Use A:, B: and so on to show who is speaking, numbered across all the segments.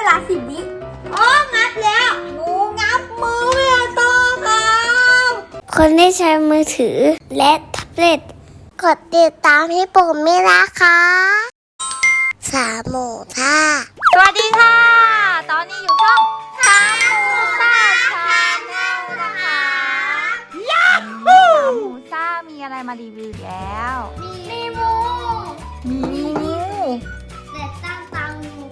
A: ลา10 วิอ๋องับแล้วหนูงับมือไม่ต่อครับ
B: คนที่ใช้มือถือและแท็บเล็ตกดติดตามให้ผมไม่นะคะสามหมูท่า
C: สวัสดีค่ะ ตอนนี้อยู่ช่องสามหมูซ่าชาแนลนะคะยาฮูสามหมูซ่ามีอะไรมารีวิวแล้ว
A: มีงู
C: มีงู
A: แต่ตั้งตางู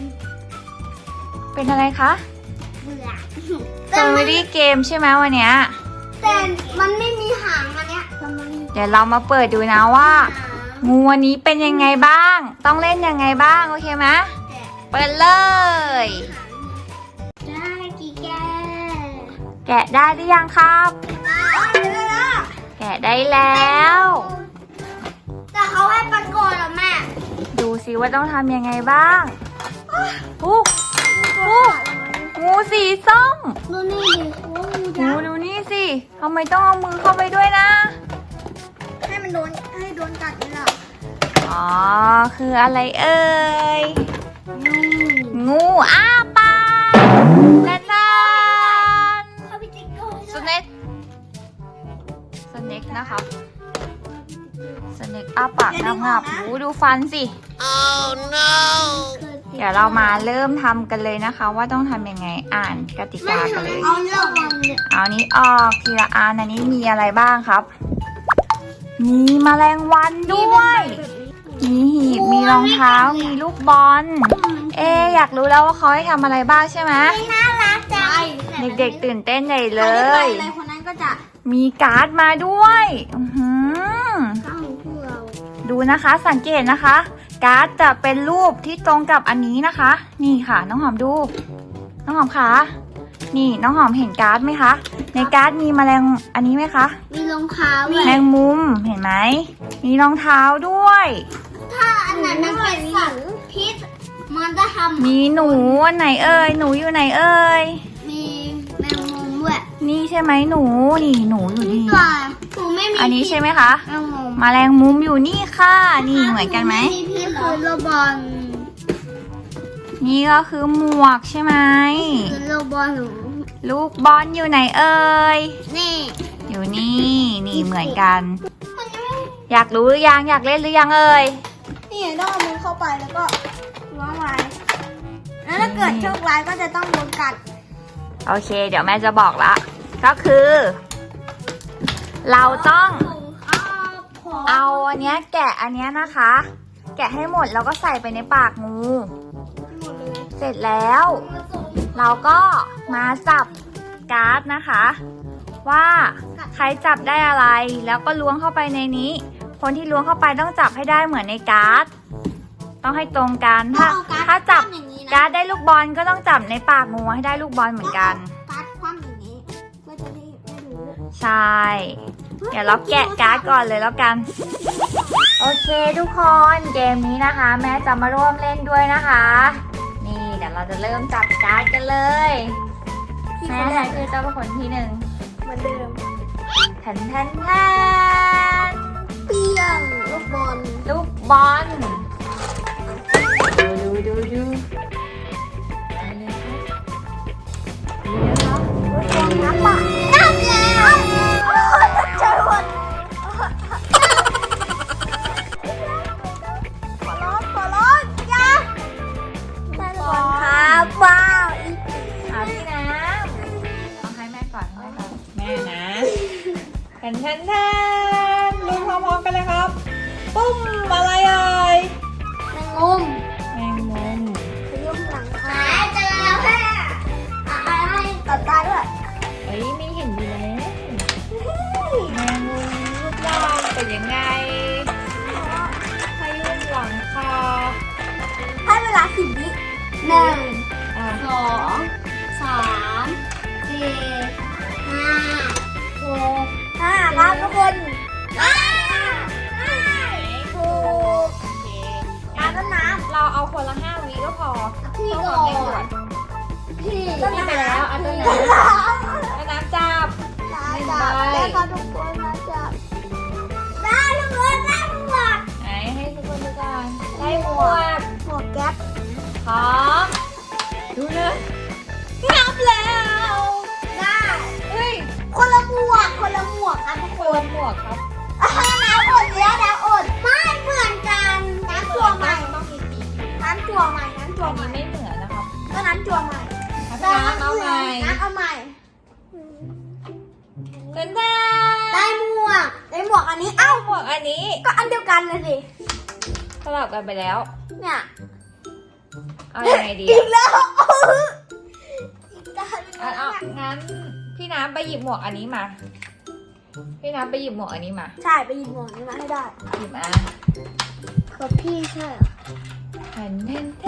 C: เป็นอะไรคะ
A: เบื่อ
C: เฟอร์รี่เกมใช่ไหมวันเนี้ย
A: แต่มันไม่มีหางอันเนี้ย
C: เดี๋ยวเรามาเปิดดูนะว่า งูวันนี้เป็นยังไงบ้าง ต้องเล่นยังไงบ้างโอเคไหมเปิดเลย
A: ได้กี่แก
C: แกะได้หรือยังครับ
A: ได้แล้ว
C: แกะได้แล้ว
A: แต่เขาให้ประกอบเหรอแม่
C: ดูสิว่าต้องทำยังไงบ้างอู้งูสีส้ม
A: ดูนี่ดิโอ้งูยักษ์
C: ดูนี่สิทำไมต้องเอามือเข้าไปด้วยนะ
A: ให้มันให้โดนกัดนี่หรอ
C: อ๋อ คืออะไรเอ่ย งูอ้าปากนั่น
A: เขาพิจิกเกอร์
C: สเน็กนะครับสเน็กอ้าปากงับๆหูดูฟันสิ เดี๋ยวเรามาเริ่มทำกันเลยนะคะ ว่าต้องทำยังไงอ่านกติกากันเลย
A: เอาเรื่องมันเนี่ย
C: เอานี้ออกทีละอันอันนี้มีอะไรบ้างครับ มีแมลงวันด้วย มีหีบ มีรองเท้า มีลูกบอล อยากรู้แล้วว่าเขาให้ทำอะไรบ้างใช่ไหม
A: น่ารักจัง
C: เด็กๆตื่นเต้นใหญ่เลย
A: อะไรคนนั้นก็จะ
C: มีการ์ดมาด้วยอื้อหือ
A: ตั้งพวกเรา
C: ดูนะคะสังเกตนะคะ การ์ดจะเป็นรูปที่ตรงกับอันนี้นะคะ นี่ค่ะน้องหอมดู น้องหอมคะนี่น้องหอมเห็นการ์ดไหมคะ ในการ์ดมีแมลงอันนี้ไหมคะ
A: มีรองเท้า
C: แมงมุมเห็นไหมมีรองเท้าด้วย
A: ถ้าอันนั้นมันเป็นสัตว์พิษมันจะทำ
C: มีหนูอันไหนเอ่ยหนูอยู่ไหนเอ่ย
A: มีแมงมุมด้วย
C: นี่ใช่ไหมหนูนี่หนูอยู่นี่
A: ปลาหนูไม่มี
C: อันนี้ใช่ไหมคะ
A: แมงมุม
C: แมลงมุมอยู่นี่ค่ะ นี่เหมือนกันไหม
A: มีพิษคือโรบอล
C: นี่ก็คือหมวกใช่ไหม
A: คือโรบอลหนู
C: ลูกบอลอยู่ไหนเอ่ย
A: นี่
C: อยู่นี่นี่เหมือนกัน
A: มันยังไม่
C: อยากรู้หรือยังอยากเล่นหรือยังเอ่ย
A: นี่ต้องเอามือเข้าไปแล้วก็ล้วงไว้แล้วถ้าเกิดโชคร้ายก็จะต้องโดนกัด
C: โอเค เดี๋ยวแม่จะบอกละก็คือ เราต้องเอาอันเนี้ยแกะอันเนี้ยนะคะ แกะให้หมดแล้วก็ใส่ไปในปากงู เสร็จแล้ว เราก็มาจับการ์ดนะคะ ว่าใครจับได้อะไรแล้วก็ล้วงเข้าไปในนี้ คนที่ล้วงเข้าไปต้องจับให้ได้เหมือนในการ์ดต้องให้ตรงกันถ้าจับการ์ดได้ลูกบอลก็ต้องจับในปากงูให้ได้ลูกบอลเหมือนกัน
A: การ์ดคว่ำอย่างนี้เพื่อจะได้ไม่รู้
C: ใช่ เดี๋ยวเราแกะการ์ดก่อนเลยแล้วกัน โอเคทุกคนเกมนี้นะคะ แม่จะมาร่วมเล่นด้วยนะคะ นี่เดี๋ยวเราจะเริ่มจับการ์ดกันเลยแม่ใครคือเจ้าเป็นคนที่หนึ่ง
A: เหมือนเดิม
C: แทนแทนแทน
A: เปี้ยงลูกบอล
C: ลูกบอลดูได้เลยครับดูนะครับ
A: น้ำปะน้ำแล้วเจอหมดขอร้องอย่าได้บอลครับว้าวอีก
C: เอาพี่น้ำเอาให้แม่ก่อนแม่นะแทนลุ้นพร้อมๆกันเลยครับปุ้มอะไรเอ่ย
A: แมงมุม
C: แมงมุม
A: ขยุ่มหลังคาเจอแล้วแค่ให้ตัดตาด้วย
C: เฮ้ยไม่เห็นอยู่แล้วแมงมุมรูปร่างเป็นยังไงพายุหลังคา
A: ให้เวลา10 วิหนึ่ง
C: อ่ะ
A: สองสามสี่ห้าหกครับทุกคนถูก
C: โอเค
A: การต้นน้
C: เราเอาคนละ5 วิก็พอ
A: ำพี่
C: เพื่อ
A: ก่
C: ค
A: อ
C: วามเร่งด่วน
A: นพี่
C: นี่ไปแล้วเอาต้นน้ำน้ำจับ
A: จับแล้วก็ทุกคนนะจับได้ทุกคนได้หมวก
C: ไหนให้ทุกคนดูกันได้หมวก
A: หมวกแก๊ป
C: พร้อมนหมวกครับ
A: น้ำอดแล้วน้ำอดไม่เหมือนกันน้ำตัวใหม่
C: ต้องมีปีก
A: น้ำตัวใหม่น้ำตัว
C: อัน
A: ให
C: นี้
A: ม่
C: ไม่เหมือนนะครับ
A: ก็น้ำตัวใหม่
C: พี่น้ำเอาใหม่
A: น้ำเอาใหม่
C: เต้น
A: ได้หมวกอันนี้เอ้า
C: หมวกอันนี้
A: ก็อันเดียวกันเลยสิ
C: สลับกันไปแล้ว
A: เนี่ย
C: เอายังไงดี
A: อีกแล้วอีกแล้ว
C: เอางั้นพี่น้ำไปหยิบหมวกอันนี้มา พี่น้ำไปหยิบหมวกอันนี้มา
A: ใช่ไปหยิบหมวกนี้มาให้ได้
C: หยิบมา
A: กับพี่ใช่เหรอ
C: เห็น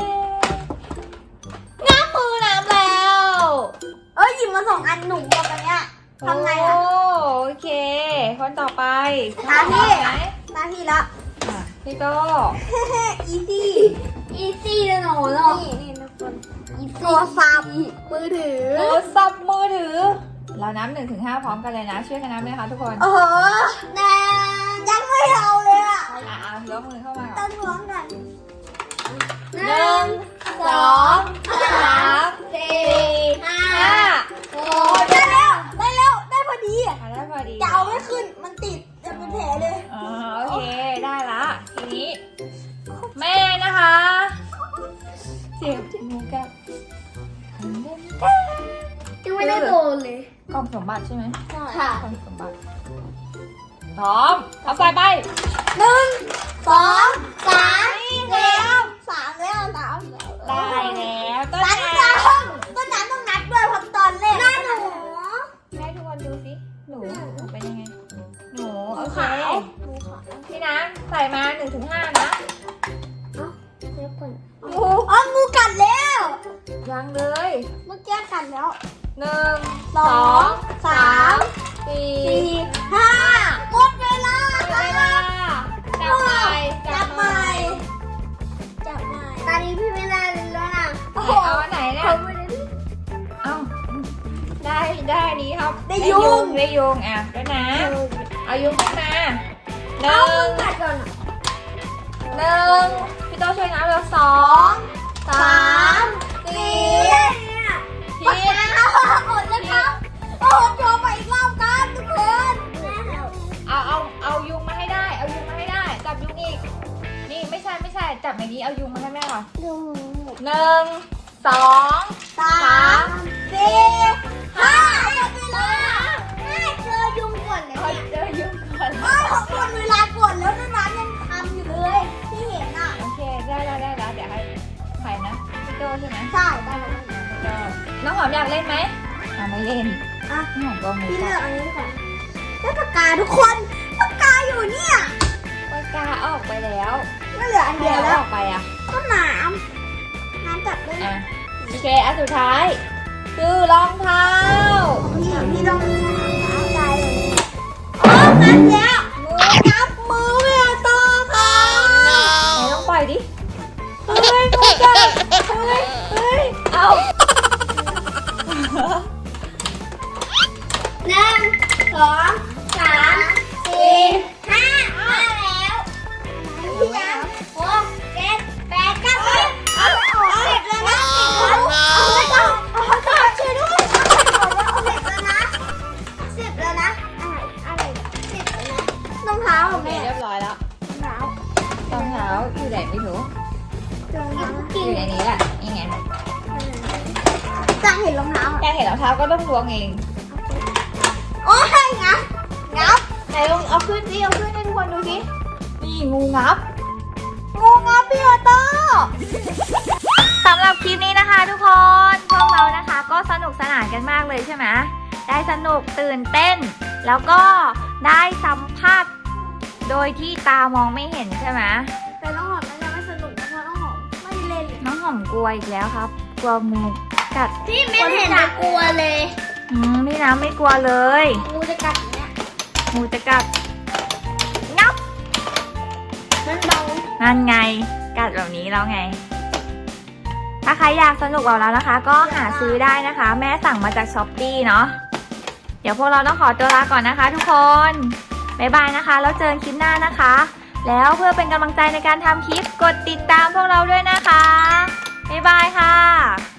C: น้ำมือน้ำแล้ว
A: เอ้ยหยิบมา2 อันหนุ่มหมวกอันเนี้ยทำไงอ่ะ
C: โอเค คนต่อไป
A: ตามพี่
C: ไหน
A: ตาพี่ละ
C: อ่ะพี่โต
A: อีซี่เลยหนูเนาะนี่ทุกคนโทรศัพท์มือถือ
C: โทรศัพท์มือถือ เรานับ1 ถึง 5พร้อมกันเลยนะ ช่วยกันนับเลยนะคะทุกคน
A: โอ้โหแนนยังไม่เอาเลยอ่ะ
C: ยกมือเข้ามาก่
A: ต้
C: อน
A: นท้องกัน
C: 1 2 3 4 5
A: 6ได้แล้วได้พอดี
C: ได้พอดี
A: จะเอาไม่ขึ้นมันติดจะเป็นแผลเลย
C: อ๋อโอเค ได้ละทีนี้ แม่นะคะ เสียบจมูกกับ
A: ยังไม่ได้โดนเลย
C: กล่องสมบัติใช่ไหม
A: ค่ะ
C: กล่องสมบัติพร้อมเอาใส่ไป
A: 1 2 3แล้ว3แล้ว
C: ได้แล้วต้น
A: ต้น
C: น้
A: น้ำต้นน้ำต้องนับด้วยเพราะตอนแรกหน้าหนู
C: ำให้ทุกคนดูสิหนูเป็นยังไง หนูโอเค
A: หนูขอ
C: พี่น้ำใส่มา1 ถึง 5นะ
A: เดี๋ยวก่อน
C: งู
A: อ๋องูกัดแล้ว
C: ยังเลย
A: เมื่อกี้กัดแล้ว
C: 1 2 3 4
A: 5หมดเวลา
C: เวลาจับใหม่
A: จับใหม่ตอนนี้พี่ไม่ได้แล้วนะ
C: เอาอันไหนเนี่ย เอาได้นี้ครับ ได้ยุงอ่ะด้วยนะ เอายุงขึ้นมาหนึ่ง
A: กัดก่อน
C: พี่โตช่วยนับเลย2 3
A: 4
C: ผิด
A: หมดแล้วครับโอ้โหโชว์ไปอีกรอบกันทุกคน
C: เอายุงมาให้ได้ เอายุงมาให้ได้ จับยุงอีก นี่ไม่ใช่จับในนี้เอายุงมาให้แม่ก่อน
A: ดู
C: 1 2
A: 3 4 5หมดเวลาเจอยุงก่อนเลย
C: เอาเจอยุงก่อน
A: โอ้ยหมดเวลาก่อนแล้วน้ำยังทำอยู่เลยที่เห็นอ่ะ
C: โอเคได้แล้วเดี๋ยวให้ใครนะพี่โตใช่ไหม
A: ใช่ได้แล้ว
C: น้องหอมอยากเล่นไหมไม่เล่น
A: อ่ะ
C: น้องหอมก็ไม่
A: พี่
C: ช
A: เลื
C: อ
A: อบ กอันนี้ก่อนได้ปากกาทุกคนปากกาอยู่เนี่ย
C: ปากกาออกไปแล้ว
A: ไม่เหลืออันเดียวแล้ว
C: ออกไปอ่ะ
A: ก็น้ำจับได้
C: อ่ะโอเคอันสุดท้ายคือรองเท้า
A: พี่ต้องเอาใจเลยอ๋องับแล้วงับมือไม่เอาต่อค่ะ
C: ไหนลองปล่อยดิเฮ้ยงูกัดเฮ้ยเอา
A: 1 2 3 4 5แล้วพี่น้ำ6 7 8 9เอาไปออกเสร็จแล้วนะเอาไปต่อช่วยด้วยเอาเสร็จแล้วนะ10แล้วนะอะไร10แล้วนะรองเท้า
C: โอ
A: ของ
C: เค
A: แม่
C: เรียบร้อยแล้ว
A: รองเท้าร
C: องเท้าอยู่ไหนไม่รู้
A: รองเท้า
C: อยู่ในนี้แหละนี่ไง
A: จังเห็นรองเท้า
C: แกเห็นรองเท้าก็ต้องล้วงเอง
A: โอ้ยงับไหนลองเอาขึ้นดิเอาขึ้นให้ทุกคนดูสิ
C: นี่งูงับพี่ออโต้สำหรับคลิปนี้นะคะทุกคนพวกเรานะคะก็สนุกสนานกันมากเลยใช่ไหมได้สนุกตื่นเต้น แล้วก็ได้สัมผัสโดยที่ตามองไม่เห็นใช่ไหม
A: แต่น้องหอมน่าจะไม่สนุกเพราะน้องหอมไม่ได้เล่นเลย
C: น้องหอมกลัวอีกแล้วครับ กลัวงูกัด
A: พี่ไม่เห็นกลัวเลย
C: พี่น้ำไม่กลัวเลย
A: งูจะกัดเนี่ย
C: งูจะกัดงับ
A: มันเบา
C: นั่นไงกัดแบบนี้แล้วไง ถ้าใครอยากสนุกแบบเรานะคะ ก็หาซื้อได้นะคะ แม่สั่งมาจากช้อปปี้เนาะเดี๋ยวพวกเราต้องขอตัวลาก่อนนะคะ ทุกคนบ๊ายบายนะคะแล้วเจอกันคลิปหน้านะคะ แล้วเพื่อเป็นกำลังใจในการทำคลิปกดติดตามพวกเราด้วยนะคะบ๊ายบายค่ะ